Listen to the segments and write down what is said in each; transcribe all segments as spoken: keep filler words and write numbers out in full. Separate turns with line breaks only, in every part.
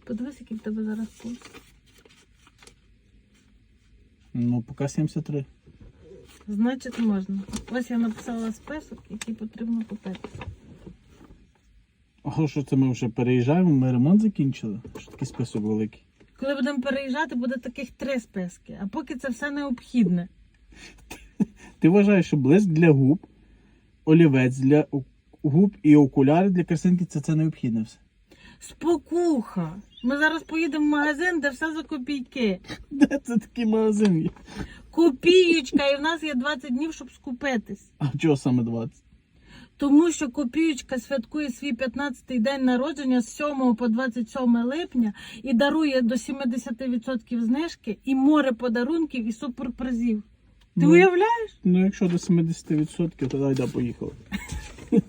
Подивись, який в тебе зараз пульс.
Ну, поки сімдесят три.
Значить, можна. Ось я написала список, який потрібно купити.
А що це ми вже переїжджаємо? Ми ремонт закінчили? Що такий список великий?
Коли будемо переїжджати, буде таких три списки. А поки це все необхідне.
Ти вважаєш, що блиск для губ, олівець для губ і окуляри для картинки це, це необхідне все?
Спокуха! Ми зараз поїдемо в магазин, де все за копійки.
Де це такий магазин є?
Копіючка, і в нас є двадцять днів, щоб скупитись.
А чого саме двадцять?
Тому що Копіючка святкує свій п'ятнадцятий день народження з сьомого по двадцять сьоме липня і дарує до сімдесят відсотків знижки і море подарунків і суперпризів. Ти
Ну,
уявляєш?
Ну, якщо до сімдесят відсотків, то дай, поїхали. Так,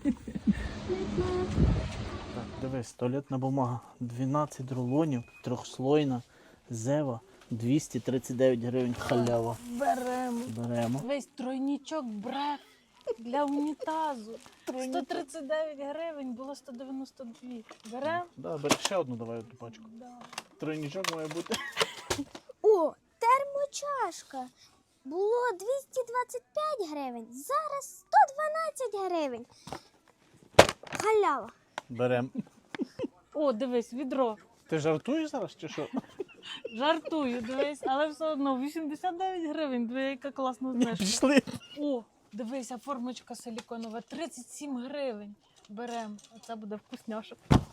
дивись, туалетна бумага. дванадцять рулонів, трьохслойна, зева, двісті тридцять дев'ять гривень халява.
Беремо.
Беремо.
Весь тройнічок бреф для унітазу. сто тридцять дев'ять гривень, було сто дев'яносто дві. Беремо?
Да, бери ще одну, давай одну пачку.
Да.
Тройничок має бути.
О, термочашка. Було двісті двадцять п'ять гривень, зараз сто дванадцять гривень. Халява.
Берем.
О, дивись, відро.
Ти жартуєш зараз чи що?
Жартую, дивись, але все одно вісімдесят дев'ять гривень, диви, яка класна знижка.
Пішли.
О, дивися, формочка силіконова, тридцять сім гривень. Берем, оце буде вкусняшок.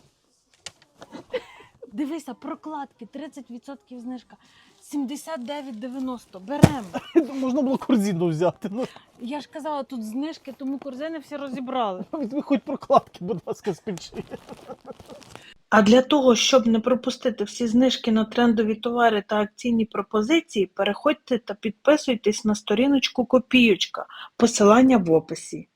Дивися, прокладки, тридцять відсотків знижка, сімдесят дев'ять дев'яносто. Берем.
Можна було корзину взяти. Ну,
Я ж казала, тут знижки, тому корзини всі розібрали.
візьми хоч прокладки, будь ласка, спічи.
А для того, щоб не пропустити всі знижки на трендові товари та акційні пропозиції, переходьте та підписуйтесь на сторіночку Копіючка. Посилання в описі.